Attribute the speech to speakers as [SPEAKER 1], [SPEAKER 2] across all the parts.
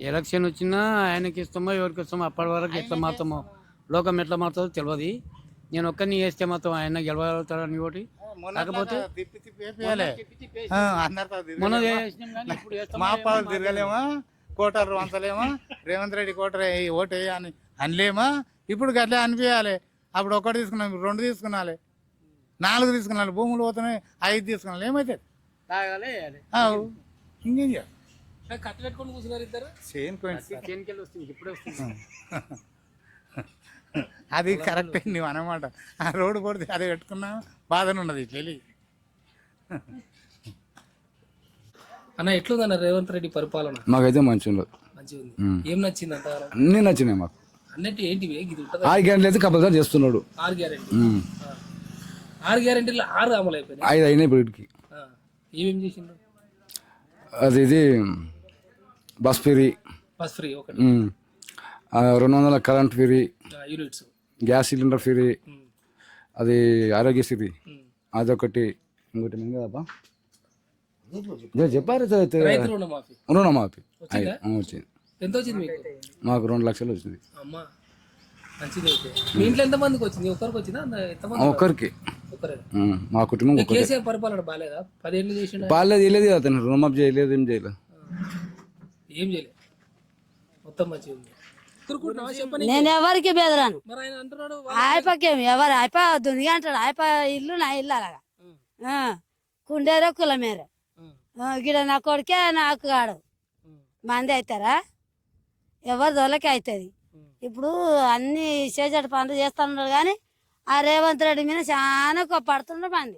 [SPEAKER 1] Election వచ్చినా ఆయనకి ఇస్తామో ఎవరికి ఇస్తామో అప్పటి వరకు ఎట్లా మాత్రమో లోకం ఎట్లా మారుతుందో తెలియదు. నేను ఒక్కరిని వేస్తే మాత్రం ఆయన గెలవగలుగుతాడని ఒకటి. కాకపోతే మొన్న
[SPEAKER 2] మా పాలు తిరగలేమా, కోటరు వంచలేమా, రేవంత్ రెడ్డి కోటరు ఓటు వేయని అనలేమా. ఇప్పుడు గట్లే అనిపించాలి. అప్పుడు ఒకటి తీసుకున్నాం, 2 తీసుకున్నాలి, 4 తీసుకున్నాలి, భూములు పోతున్నాయి, 5 తీసుకున్నాలి. ఏమైతే ఇంకేం చేయాలి? అది కరెక్ట్ నువ్వు అనమాట. ఆ రోడ్డు కొడితే అది పెట్టుకున్నా బాధనే ఉన్నది. చెల్లి
[SPEAKER 3] అన్న ఎట్లుందన్న రేవంత్ రెడ్డి పరిపాలన?
[SPEAKER 4] మాకైతే మంచిగా
[SPEAKER 3] మంచిగా ఉంది. ఏం నచ్చింది అంత?
[SPEAKER 4] అన్నీ నచ్చినాయి మాకు.
[SPEAKER 3] అన్నట్టు ఏంటివి?
[SPEAKER 4] 6 గ్యారెంటీలు అయితే కంపల్సరీ చేస్తున్నాడు.
[SPEAKER 3] 6 గ్యారెంటీ 6 గ్యారెంటీలు 6 అమలు అయిపోయినాయి.
[SPEAKER 4] 5 అయినాయి ఇప్పటికి.
[SPEAKER 3] ఏమేమి చేసిండు?
[SPEAKER 4] ఇది బస్ ఫ్రీ,
[SPEAKER 3] ఒకటి
[SPEAKER 4] 200 current free,
[SPEAKER 3] units,
[SPEAKER 4] gas cylinder free, అది ఆరోగ్యశ్రీ అదొకటి. ఇంకోటి ఏం కదబ్బా చెప్పారు, రుణమాఫీ వచ్చింది.
[SPEAKER 3] ఎంత వచ్చింది
[SPEAKER 4] మాకు? 2 లక్షలు వచ్చింది.
[SPEAKER 3] అమ్మా మంచిది. అయితే మీ ఇంట్లో ఎంత మందికి వచ్చింది? ఒక్కరికి వచ్చిందా?
[SPEAKER 4] ఒక్కరికి. మా కుటుంబం.
[SPEAKER 3] కేసీఆర్ పరిపాలన బాగాలేదా? 10 ఏళ్ళు చేసిండు.
[SPEAKER 4] బాగాలేదు, చేయలేదు. అతను రుణమాఫీ చేయలేదు, ఏం చేయలేదు.
[SPEAKER 3] ఏం చేయలేదు, మొత్తం మంచిగా ఉంది.
[SPEAKER 5] నేను ఎవరికి బెదరాను. ఆయపకేం ఎవరు ఆయప దునిగా అంటాడు. ఆయప ఇల్లు నా ఇల్లు అలాగా కుండేరో కులమేరో గిడ నా కొడుకే నాకు కాడు మంది అవుతారా? ఎవరి దొలకి అవుతుంది. ఇప్పుడు అన్ని చేసేటి పనులు చేస్తున్నారు కానీ ఆ రేవంత్ రెడ్డి మీద చాలా పడుతున్నారు మంది.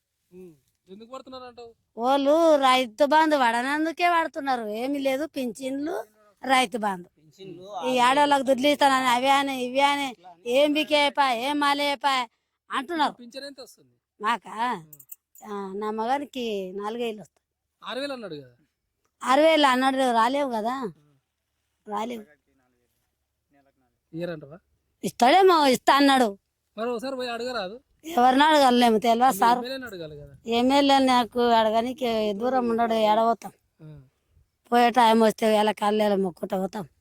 [SPEAKER 5] వాళ్ళు రైతు బంధు పడనందుకే పడుతున్నారు. ఏమి లేదు, పింఛన్లు, రైతు బంధు, ఈ ఆడవాళ్ళకి దుడ్లు ఇస్తానని అవి అని ఇవి అని ఏం బికేపా ఏం మాలేపా అంటున్నారు. మాకా నా మగానికి 4 వేలు వస్తాయి.
[SPEAKER 3] 6,000 అన్నాడు కదా.
[SPEAKER 5] 6,000 అన్నాడు, రాలేవు కదా, రాలేవు. ఇస్తాడేమో, ఇస్తా అన్నాడు. ఎవరిని అడగలేము, తెలియదు సార్. ఎమ్మెల్యే నాకు అడగనికి దూరం ఉన్నాడు, ఎడబోతాం. పోయే టైం వస్తే ఎలా కళ్ళేలా మొక్కుట పోతాం.